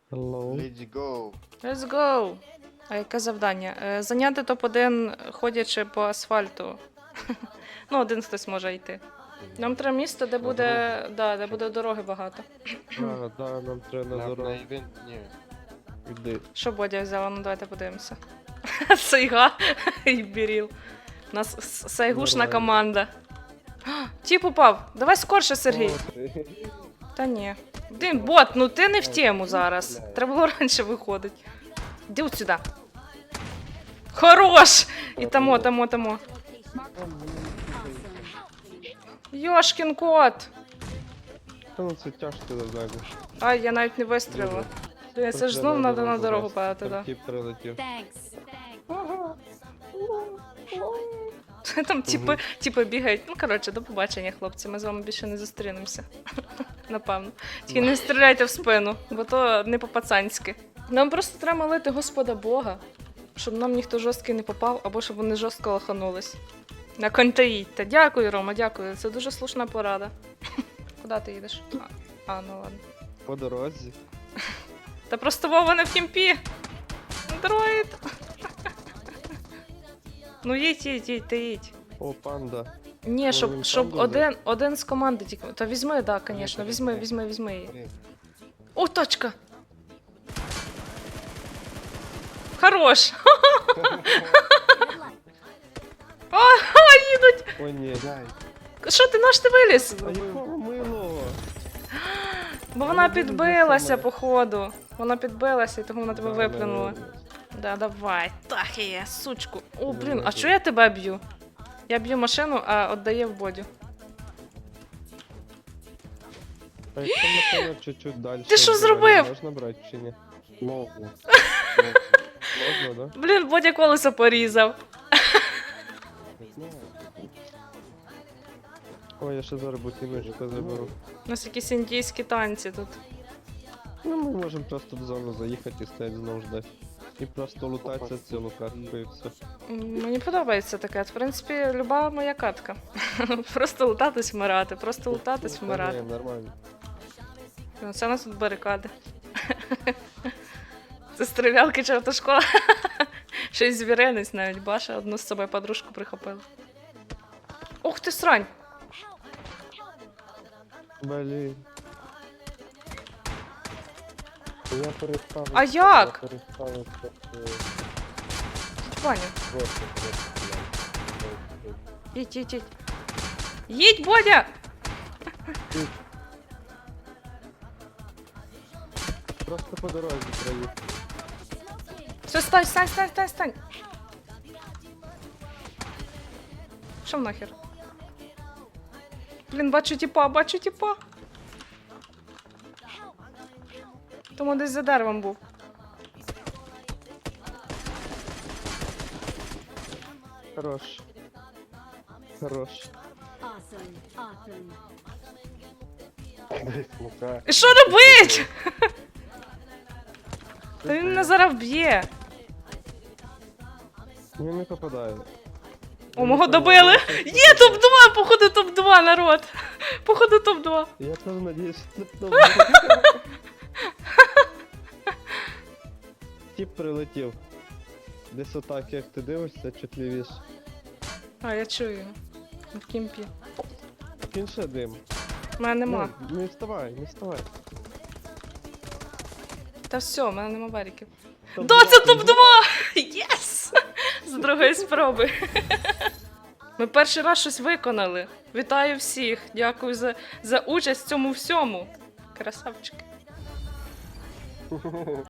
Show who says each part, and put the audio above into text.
Speaker 1: Hello.
Speaker 2: Let's go.
Speaker 3: Let's go! А яке завдання? Зайняти топ-1, ходячи по асфальту. Ну, один хтось може йти. Нам треба місто, де буде. Да, де буде дороги багато.
Speaker 1: Да, нам треба на
Speaker 2: На
Speaker 1: дорогу.
Speaker 2: івент? Ні.
Speaker 1: Іди.
Speaker 3: Що Бодя взяла? Ну давайте подивимося. Сайга і Біріл. У нас сайгушна
Speaker 1: Нормально.
Speaker 3: команда. Тіп упав. Давай скорше, Сергій.
Speaker 1: О, ти.
Speaker 3: Та ні. Блін, бот, ну ти не в тему зараз. Треба було раніше виходити. Іди от сюди. Хорош! І тамо. Йошкін кот!
Speaker 1: Та ну це тяжко завдання.
Speaker 3: Ай, я навіть не вистрілила. Блін, це ж знов треба на дорогу падати,
Speaker 1: Там
Speaker 3: да.
Speaker 1: тіп прилетів.
Speaker 3: Там типи бігають. Ну, коротше, до побачення, хлопці. Ми з вами більше не зустрінемося. Напевно. Тільки не стріляйте в спину, бо то не по-пацанськи. Нам просто треба молити Господа Бога, щоб нам ніхто жорсткий не попав, або щоб вони жорстко лоханулись. На контаїдьте. Дякую, Рома, дякую. Це дуже слушна порада. Куди ти їдеш? Ну ладно.
Speaker 1: По дорозі.
Speaker 3: Та просто Вова не в кімпі. Дроїд. Ну їдь, ти їдь.
Speaker 1: О, панда.
Speaker 3: Ні,
Speaker 1: Ну,
Speaker 3: щоб,
Speaker 1: він
Speaker 3: щоб
Speaker 1: там буде?
Speaker 3: один з команди тільки. Та візьми, да, звісно, візьми її.
Speaker 2: Блін.
Speaker 3: О, точка! Хорош! Їдуть!
Speaker 1: О, ні.
Speaker 2: Дай.
Speaker 3: Що ти, наш ти виліз?
Speaker 1: А якого милого?
Speaker 3: Бо вона
Speaker 1: Ну, буде
Speaker 3: підбилася,
Speaker 1: саме.
Speaker 3: походу. Вона підбилася, і тому вона тебе
Speaker 1: Да,
Speaker 3: виплюнула.
Speaker 1: наверно.
Speaker 3: Да, давай. Так є, сучку. О, блін, а чого я тебе б'ю? Я б'ю машину, а віддає в бодю.
Speaker 1: А якщо машина чуть-чуть далі.
Speaker 3: Ти що
Speaker 1: від дороги,
Speaker 3: зробив?
Speaker 1: Можна брати чи ні?
Speaker 2: Можна.
Speaker 1: Можна, да?
Speaker 3: Блін, Бодя колесо порізав.
Speaker 2: Не знаю.
Speaker 1: Ой, я ще зараз бутіночку заберу.
Speaker 3: У нас якісь індійські танці тут.
Speaker 1: Ну, ми можемо просто в зону заїхати і стоять знову ждати. І просто лутатися цілу картку і все.
Speaker 3: Мені подобається таке. В принципі, люба моя катка. Просто лутатись вмирати, просто лутатись
Speaker 1: Та
Speaker 3: вмирати.
Speaker 1: ні, нормально.
Speaker 3: Ну, це у нас тут барикади. Це стрілялки чи автошкола. Щось звіринець навіть, Баша одну з собою подружку прихопила. Ух ти, срань!
Speaker 1: Блін.
Speaker 2: Я переставив.
Speaker 3: А як?
Speaker 2: Я переставив
Speaker 3: Ваня,
Speaker 2: просто.
Speaker 3: їдь. Їдь, Бодя!
Speaker 1: Просто по дорозі проїхав.
Speaker 3: Все, стань! Що нахер? Блін, бачу тіпа. Тому десь за деревом був.
Speaker 1: Хорош.
Speaker 2: Десь смука.
Speaker 3: І що робить? Та він мене зараз вб'є.
Speaker 1: Він не попадає.
Speaker 3: О, мого добили. Є топ-2, походу топ-2, народ. Походу топ-2.
Speaker 1: Я теж надіюсь, що це добре. Тіп прилетів. Десь отак, як ти дивишся, чуть лівіше.
Speaker 3: А, я чую його. В кімпі.
Speaker 1: Він ще дим.
Speaker 3: У мене нема.
Speaker 1: Не вставай, не вставай.
Speaker 3: Та все, у мене нема варіків.
Speaker 1: Топ-2.
Speaker 3: Да, це топ-2! Єс! З другої спроби. Ми перший раз щось виконали. Вітаю всіх. Дякую за участь в цьому всьому. Красавчики.